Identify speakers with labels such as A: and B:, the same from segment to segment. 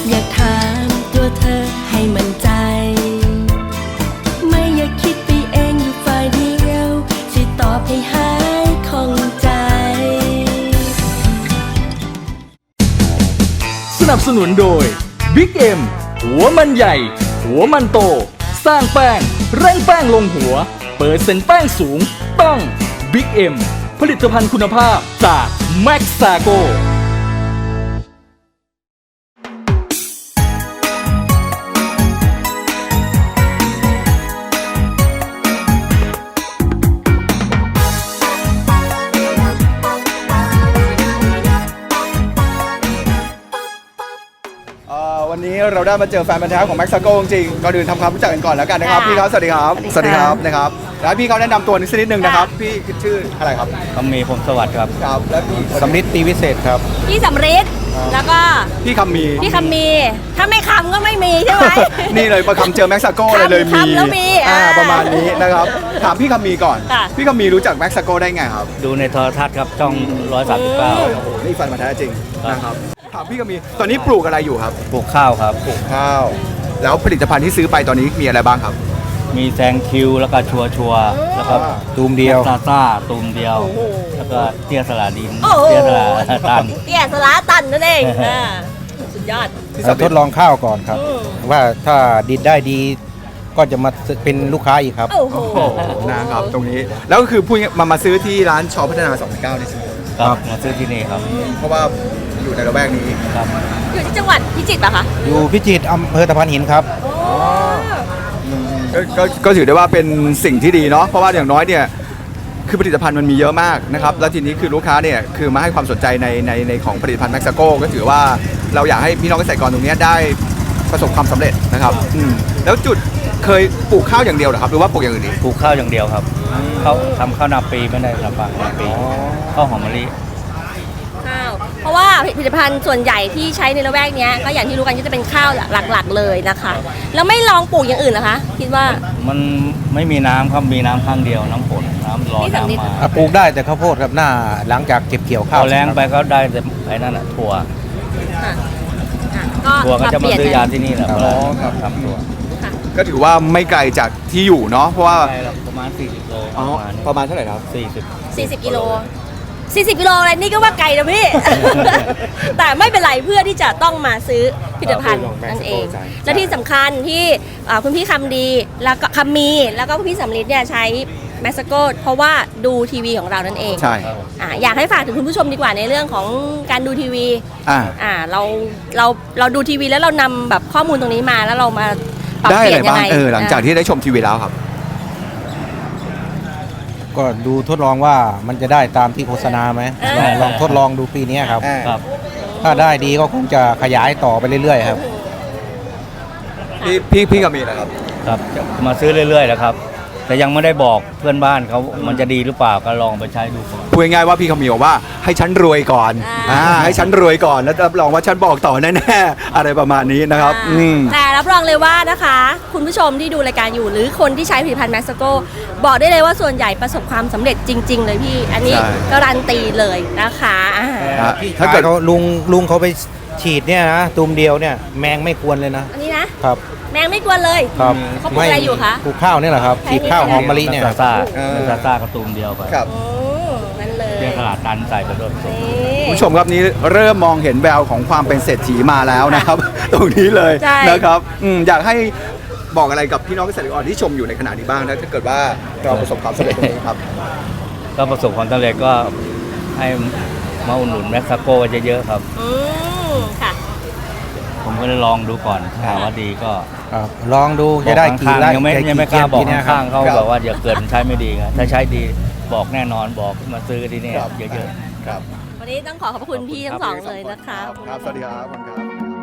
A: อยากถามตัวเธอให้มั่นใจไม่อยากคิดไปเองอยู่ฝ่ายเดียวที่ตอบให้หายข้องใจ
B: สนับสนุนโดย Big M หัวมันใหญ่หัวมันโตสร้างแป้งเร่งแป้งลงหัวเปิดเซ็นแป้งสูงต้อง Big M ผลิตภัณฑ์คุณภาพจาก Maxago
C: วันนี้เราได้มาเจอแฟนพันธุ์แท้ของ Maxago จริงๆก่อนอื่นทำความรู้จักกันก่อนแล้วกันนะครับพี่ครับสวัสดีครับสวัสดีครับนะครับแล้วพี่เขาแนะนำตัวนิดนึงนะครับพี่ชื่ออะไรครับ
D: คำมีพรหมสวัสดิ์ครับ
C: ครับและพี่
D: สำริดตีวิเศษครับ
E: พี่สำริดแล้วก็
C: พี่คำมี
E: พี่คำมีถ้าไม่คำก็ไม่มีใช่ไหม
C: นี่เลยประคำเจอ Maxago เลยมี
E: คำแล้วมี
C: ประมาณนี้นะครับถามพี่คำมีก่อน
E: ค่ะ
C: พี่คำมีรู้จัก Maxago ได้ไงครับ
D: ดูในโทรทัศน์ครับช่อง 139
C: นี่แฟนพันธุ์แท้จริงนะครับถามพี่คำมีตอนนี้ปลูกอะไรอยู่ครับ
D: ปลูกข้าวครับ
C: ปลูกข้าวแล้วผลิตภัณฑ์ที่ซื้อไปตอนนี้มีอะไรบ้างครับ
D: มีแซงคิวแล้วก็ชัวแล้วก็ตูมเดียวซาซ่าตูมเดียว แล้วก็เตี้ยสลาดิน
E: โอ้โห
D: เตี้ยสลาตัน
E: เตี้ยสลาตันนั่นเองสุดยอด
F: เราทดลองข้าวก่อนครับ ว่าถ้าดินได้ดีก็จะมาเป็นลูกค้าอีกครับ
E: โอ้โห
C: นะครับตรงนี้แล้วก็คือพูดง่ายๆมาซื้อที่ร้านชอพัฒนา29นี่ใช่ไหม
D: ครับมาซื้อที่นี่ครับ
C: เพราะว่าอยู่ในระแวกนี้
D: ครับ
E: อยู่ที่จังหวัดพิจิตรป่ะคะ
F: อยู่พิจิตรอำเภอตะพานหินครับ
C: ก็ถือได้ว่าเป็นสิ่งที่ดีเนาะเพราะว่าอย่างน้อยเนี่ยคือผลิตภัณฑ์มันมีเยอะมากนะครับแล้วทีนี้คือลูกค้าเนี่ยคือมาให้ความสนใจในของผลิตภัณฑ์ Maxago ก็ถือว่าเราอยากให้พี่น้องเกษตรกรตรงนี้ได้ประสบความสำเร็จนะครับแล้วจุดเคยปลูกข้าวอย่างเดียวเหรอครับหรือว่าปลูกอย่างอื่นอีก
D: ปลูกข้าวอย่างเดียวครับเขาทำข้าวนาปีไม่ได้ลำบากนาปีข้าวหอมมะลิ
E: ข้าวเพราะว่าผลิตภัณฑ์ส่วนใหญ่ที่ใช้ในละแวกเนี้ยก็อย่างที่รู้กันก็จะเป็นข้าวหลักๆเลยนะคะแล้วไม่ลองปลูกอย่างอื่นเหรอคะคิดว่า
D: มันไม่มีน้ำครับมีน้ำข้างเดียวน้ำฝนน้ำร้อน
E: นี่สำลิด
D: น้ำมา
F: ปลูกได้แต่ข้าวโพดครับหน้าหลังจากเก็บเกี่ยว
D: พ
F: ข้าว
D: อแรงไปก็ได้แต่ไอ้นั่นอ่ะถั่ว
E: ค่ะ
D: ถั่วก็จะมาซื้อยาที่นี่แหละ
C: อ๋อครับ
D: ทำถั่ว
C: ก็ถือว่าไม่ไกลจากที่อยู่เนาะเพราะว่า
D: ใช่ครับประมาณ40 โล
C: อ๋อประมาณเท่าไหร่ครับ
D: 40
E: 40 กิโล 40 กิโลอะไรนี่ก็ว่าไกลนะพี่ แต่ไม่เป็นไรเพื่อที่จะต้องมาซื้อผลิตภัณฑ์นั่นเอง และที่สำคัญที่คุณพี่คำดีแล้วก็คำมีแล้วก็คุณพี่สำลิดเนี่ยใช้ Maxago เพราะว่าดูทีวีของเรานั่นเอง
C: ใช่
E: อยากให้ฝากถึงคุณผู้ชมดีกว่าในเรื่องของการดูทีวี เราดูทีวีแล้วเรานำแบบข้อมูลตรงนี้มาแล้วเรามาปรับ
C: ได้
E: เป
C: อะ
E: ลี่
C: ไร
E: ยนยัง
C: บ้าง
E: ไง
C: หลังจากที่ได้ชมทีวีแล้วครับ
F: ก็ดูทดลองว่ามันจะได้ตามที่โฆษณาไหมลองทดลองดูปีนี้ครับ
D: ครับ
F: ถ้าได้ดีก็คงจะขยายต่อไปเรื่อยๆครับ
C: พี่กับมีนะครับ
D: ครับจะมาซื้อเรื่อยๆนะครับ แต่ยังไม่ได้บอกเพื่อนบ้านเขามันจะดีหรือเปล่าก็ลองไปใช้ดูก่อน
C: พูดง่ายๆว่าพี่คำมีบอกว่าให้ฉันรวยก่อนให้ฉันรวยก่อนแล้วรับรองว่าฉันบอกต่อแน่ๆอะไรประมาณนี้นะครับ
E: แต่รับรองเลยว่านะคะ คุณผู้ชมที่ดูรายการอยู่หรือคนที่ใช้ผลิตภัณฑ์ Maxago บอกได้เลยว่าส่วนใหญ่ประสบความสำเร็จจริง ๆ เลยพี่ อันนี้การันตีเลยนะคะ
C: ถ้าเกิด
F: เขาลุงเขาไปฉีดเนี่ยนะตูมเดียวเนี่ยแมงไม่ควรเลยนะ
E: อันนี้นะครับ แมงไม่กวนเลย
F: ครับ
E: เขาปลูกอะไรอยู่คะ
F: ปลูกข้าวนี่แหละครับฉีดข้าวหอมมะลิเนี่ย
D: ซาซ่ากระตูมเดียวไป
C: ครับ
E: นั่นเลย
D: เรียกตลาดตันใส่กระโดดสูง
C: คุณผู้ชมครับนี้เริ่มมองเห็นแววของความเป็นเศรษฐีมาแล้วนะครับ ตรงนี้เลยนะครับอยากให้บอกอะไรกับพี่น้องเกษตรกรที่ชมอยู่ในขณะนี้บ้างนะถ้าเกิดว่าเราประสบความสำเร็จตรงนี้ครับ
D: ก็ประสบความสำเร็จก็ให้มาอุดหนุนMaxagoเยอะๆครับ
E: ค่ะ
D: ผมก็เลยลองดูก่อนถ้าว่าดีก็
F: ครับลองดูจะได้กี่
D: ข้าง
F: ไร่
D: ๆยังไม่กล้าบอก
F: เนี่ยครั
D: ข้า
F: บ
D: งๆเขาบอกว่าอย่าเกิดมันใช้ไม่ดีไงถ้าใช้ดีบอกแน่นอนบอกมาซื้อที่นี่เยอะๆ
C: ครับ
E: วันนี้ต้องขอบคุณพี่ทั้งสองเลยนะคะ
C: ครับสวัสดีครับคุณครับ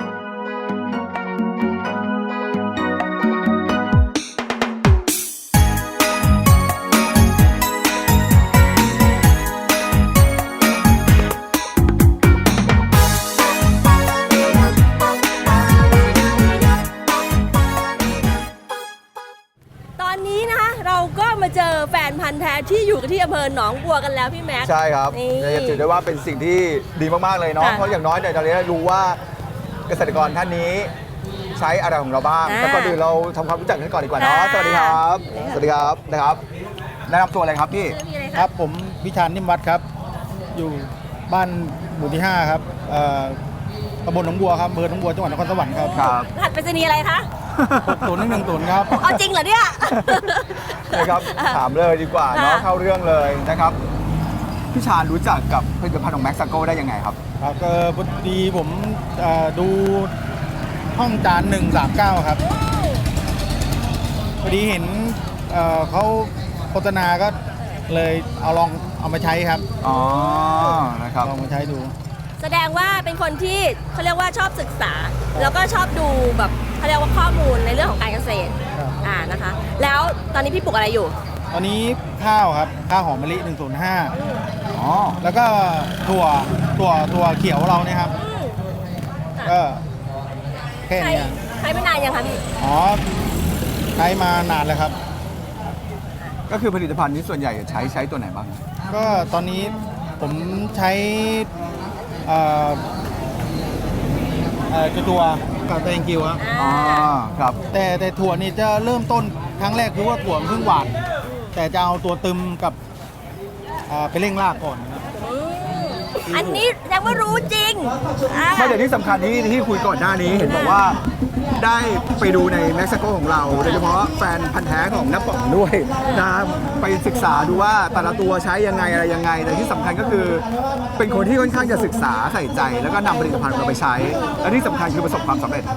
E: ตอนนี้นะคะเราก็มาเจอแฟนพันธ์แท้ที่อยู่ที่อำเภอหนองบัวกันแล้วพี่แม็กซ์
C: ใช่ครับ
E: นี่
C: จะถือได้ว่าเป็นสิ่งที่ดีมากๆเลยเนาะ
E: ค่ะ
C: เพราะอย่างน้อยเนี่ยตอนนี้รู้ว่าเกษตรกรท่านนี้ใช้อะไรของเราบ้าง
E: อ่า
C: แต่ก่อนอื่นเราทำความรู้จักกันก่อนดีกว่าเนาะ
E: ค่ะ
C: สวัสดีครับสวัสดีครับนะครับแนะนำตัวเลยครับพี่
E: ชื่อพี่อะไร
F: ค
E: คะ
F: รับผมพิชานนิ่มวัดครับ อยู่บ้านหมู่ที่ 5 ครับตำบลหนองบัวครับอำเภอหนองบัวจังหวัดนครสวรรค์ครับ
C: ครับ
E: รหัสไปรษณีย์อะไรคะ
F: 6010ครับ
E: เอาจริงเหรอเนี่ย
C: นะครับถามเลยดีกว่าเนาะ
E: ค่ะ
C: เข้าเรื่องเลยนะครับพี่ชาญรู้จักกับผลิตภัณฑ์ของแม็กซาโกได้ยังไงครับ
F: ครับก็พอดีผมดูห้องจาน139 ครับพอดีเห็นเขาโฆษณาก็เลยลองเอามาใช้ครับ
C: อ๋อนะครับ
F: ลองมาใช้ดู
E: แสดงว่าเป็นคนที่เขาเรียกว่าชอบศึกษา แล้วก็ชอบดูแบบเขาเรียกว่าข้อมูลในเรื่องของการเกษตร
F: ครับ
E: นะคะ แล้วตอนนี้พี่ปลูกอะไรอยู่
F: ตอนนี้ข้าวครับข้าวหอมมะลิ105
C: อ๋อ
F: แล้วก็ถั่วเขียวเราเนี่ยครับก็แค่
E: ใช้
F: เนี้ย
E: ใช้ไม่นานยังคะพี่
F: อ๋อใช้มานานแล้วครับ
C: ก็คือผลิตภัณฑ์นี้ส่วนใหญ่ใช้ตัวไหนบ้าง
F: ก็ตอนนี้ผมใช้เอ่อตัวกับแตงกิวครับ
C: อ๋อครับ
F: แต่ถั่วนี่จะเริ่มต้นครั้งแรกคือว่าถั่วมันเพิ่งหวานแต่จะเอาตัวตึมกับไปเร่งรากก่อนครับ
E: อันนี้แสดงว่ารู้จริงอ่า
C: ไม่แต่ที่สำคัญที่คุยก่อนหน้านี้เห็นบอกว่าได้ไปดูในเม็กซิโกของเราโดยเฉพาะแฟนพันธ์แท้ของน้าป๋องด้วยนะไปศึกษาดูว่าแต่ละตัวใช้ยังไงอะไรยังไงแต่ที่สำคัญก็คือ เป็นคนที่ค่อนข้างจะศึกษาใส่ใจ แล้วก็นำผลิตภัณฑ์ของเราไปใช้ และที่สำคัญคือประสบความสำเร็จ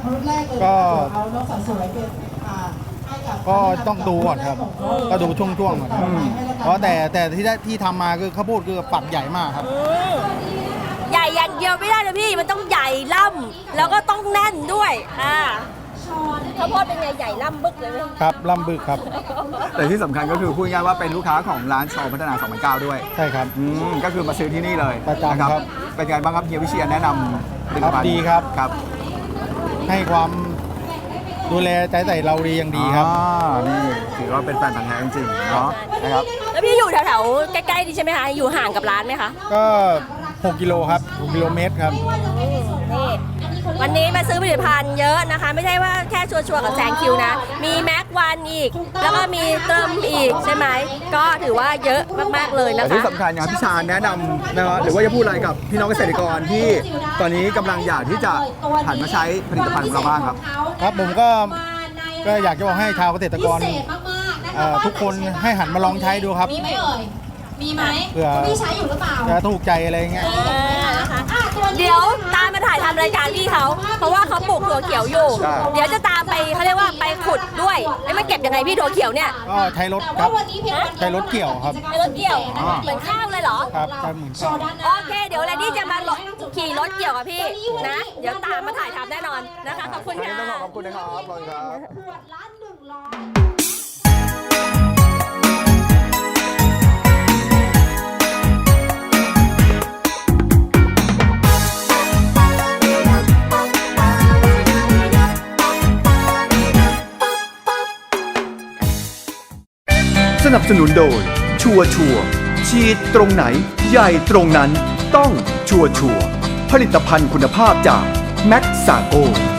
F: ก็ต้องดูก่อนครับก็ดูช่วงๆก่อนครับเพราะแต่ที่ทำมาคือข้าวโพดคือฝักใหญ่มากครับ
E: ใหญ่อย่างเดียวไม่ได้เลยพี่ มันต้องใหญ่ล่ำแล้วก็ต้องแน่นด้วยข้าวโพดเป็นไงใหญ่ล่ำบึกเลยไหม
F: ครับลำบึกครับ
C: แต่ที่สำคัญก็คือพูดง่ายๆว่าเป็นลูกค้าของร้านชอพัฒนา2009ด้วย
F: ใช่ครับ
C: ก็คือมาซื้อที่นี่เลย
F: ประจำ
C: นะครับ เป็นไงบ้างครับเฮียวิเชียรแนะนำผลิตภัณฑ์
F: ดีครับ
C: ครับ
F: ให้ความดูแลใจใส่เราดีอย่างดีครับ
C: นี่ถือว่าเป็นแฟนพันธ์แท้จริงๆเนาะนะครับ
E: แล้วพี่อยู่แถวๆใกล้ๆดีใช่ไหมคะ อยู่ห่างกับร้านไหมคะ
F: ก็ 6 กิโลครับ6กิโลเมตรครับ
E: นี่วันนี้มาซื้อผลิตภัณฑ์เยอะนะคะ ไม่ใช่ว่าแค่ชัวร์ๆกับแซงคิวนะ มีแม็กวันอีก แล้วก็มีเติมอีกใช่ไหม ก็ถือว่าเยอะมากๆเลยนะ
C: แต่ที่
E: คะ
C: สำคัญอย่างพี่ชาญแนะนำนะครับหรือว่าจะพูดอะไรกับพี่น้องเกษตรกรที่ตอนนี้กำลังอยากที่จะหันมาใช้ผลิตภัณฑ์ของเราบ้างครับ
F: ครับผมก็อยากจะบอกให้ชาวเกษตรกรทุกคนให้หันมาลองใช้ดูครับ
G: มีไหมเอ่ย มีไหม
F: เผื่อ
G: พี่ใช้อยู่หรือเปล่า
F: จะถูกใจอะไรเงี้ย
E: เดี๋ยวตามมาถ่ายทำรายการพี่เขาเพราะว่าเขาปลูกถั่วเขียวอยู่
C: ใช่
E: เดี๋ยวจะตามไปเขาเรียกว่าไปขุดด้วยแล้วมาเก็บยังไงพี่ถั่วเขียวเนี่ย
F: ก็ใช้รถครับใช้รถเกี่ยวครับ
E: ในรถเกี่ยวเหมือนข้าวเลยเหรอ
F: ครับใช้เหมือนกัน
E: โอเค เดี๋ยวแลนดี้จะมาขี่รถเกี่ยวกับพี่นะ เดี๋ยวตามมาถ่ายทำแน่นอนนะคะ ขอบคุณค่ะ
C: ต้องขอบคุณนะครับขอบคุณครับ
G: ขวดละ100
C: สนับสนุนโดยชัวร์ฉีดตรงไหนใหญ่ตรงนั้นต้องชัวร์ผลิตภัณฑ์คุณภาพจากแม็กซาโก